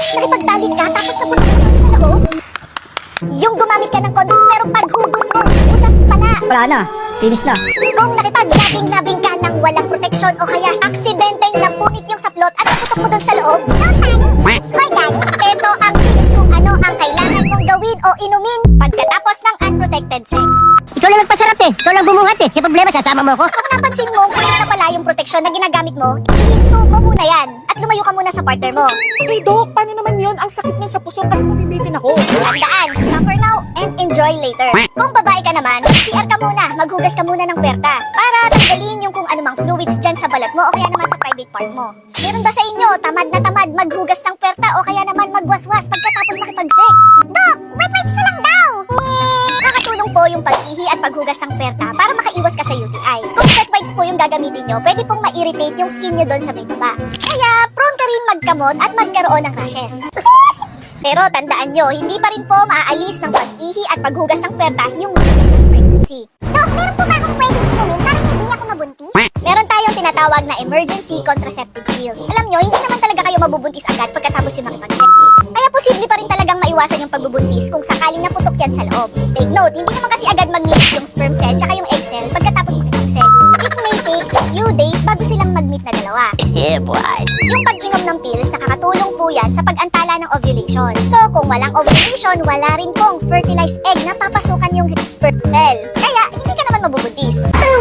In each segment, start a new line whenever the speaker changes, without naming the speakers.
Nakipagtalik ka tapos napunta ka sa loob? Yung gumamit ka ng kondom pero paghugot mo, butas pala.
Wala na. Finish na.
Kung nakipaglabing-labing ka ng walang proteksyon o kaya aksidenteng napunit yung saplot at naputok mo dun sa loob, don't panic, it's organic. Ito ang tips kung ano ang kailangan mong gawin o inumin pagkatapos ng unprotected sex.
Ikaw lang nagpasarap eh. Ikaw lang bumuhat eh. Kaya problema, sasama mo ako.
Kung napansin mo kung na pala yung proteksyon na ginagamit mo, ihinto mo muna yan at lumayo ka muna sa partner mo.
Eh, Dok, paano naman yun? Ang sakit nun sa puso kasi mabibitin ako.
Tandaan, suffer now and enjoy later. Kung babae ka naman, CR ka muna, maghugas ka muna ng puwerta para tanggalin yung kung anumang fluids dyan sa balat mo o kaya naman sa private part mo. Meron ba sa inyo, tamad na tamad maghugas ng puwerta o kaya naman magwaswas pagkatapos makipag-sex? Dok, wet wipes na lang daw! Nakakatulong po yung pag-ihi at paghugas ng puwerta para makaiwas ka sa UTI. Kung wet wipes po yung gagamitin nyo, pwede pong ma-irritate yung skin nyo doon sa may baba. Kaya, prone ka rin magkamot at magkaroon ng rashes. Pero tandaan nyo, hindi pa rin po maaalis ng pag-ihi at paghugas ng puwerta yung pregnancy. Dok, meron po ba akong pwedeng inumin para hindi ako mabuntis? Meron tayong tinatawag na emergency contraceptive pills. Alam nyo, hindi naman talaga kayo mabubuntis agad pagkatapos yung makipag-sex. Kaya posible pa rin talagang maiwasan yung pagbubuntis kung sakaling naputok yan sa loob. Take note, hindi naman kasi agad mag-meet yung sperm cell tsaka yung egg cell pagkatapos makipag-sex. It may take a few days bago silang mag-meet na dalawa.
Yeah, boy.
Yung pag-inom ng pills, nakakatulong po yan sa pag-antala ng ovulation. So, kung walang ovulation, wala rin pong fertilized egg na papasukan yung sperm cell. Kaya, hindi ka naman mabubuntis.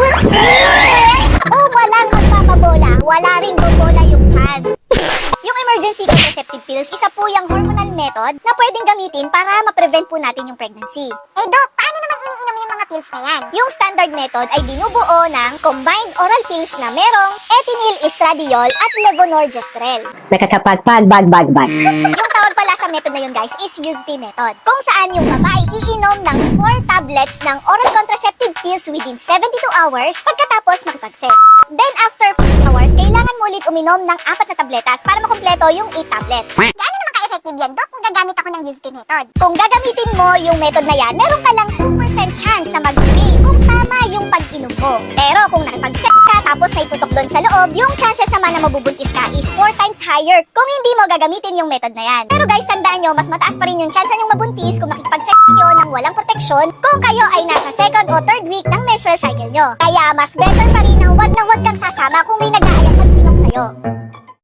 O walang magpapabola, wala rin bobola yung tiyan. Yung emergency contraceptive pills, isa po yung hormonal method na pwedeng gamitin para ma-prevent po natin yung pregnancy. Eh Doc, paano naman iniinom yung mga pills na yan? Yung standard method ay binubuo ng combined oral pills na merong ethinyl estradiol at levonorgestrel.
Nakakapagpag, bag.
Yung tawag pala sa method na yun guys is USP method. Kung saan yung babae iinom ng 4 tablets ng oral contraceptive pills within 72 hours pagkatapos makipag-sex. Then after 4 hours, kailangan mo ulit uminom ng 4 na tabletas para makumpleto yung 8 tablets. Gaano naman ka-effective yan, Doc, kung gagamit ako ng USP method? Kung gagamitin mo yung method na yan, meron ka lang 2% chance na mag-fail kung tama yung pag-inom mo. Pero kung nakipag-sex ka tapos naiputok doon sa loob, yung chances naman na mabubuntis ka is 4 times higher kung hindi mo gagamitin yung method na yan. Pero guys, tandaan nyo, mas mataas pa rin yung chance nyong mabuntis kung nakipag-sex kayo ng walang proteksyon kung kayo ay nasa 2nd o 3rd week ng menstrual cycle nyo. Kaya mas better pa rin na wag kang sasama kung may nag-aayang mag-inom sa'yo.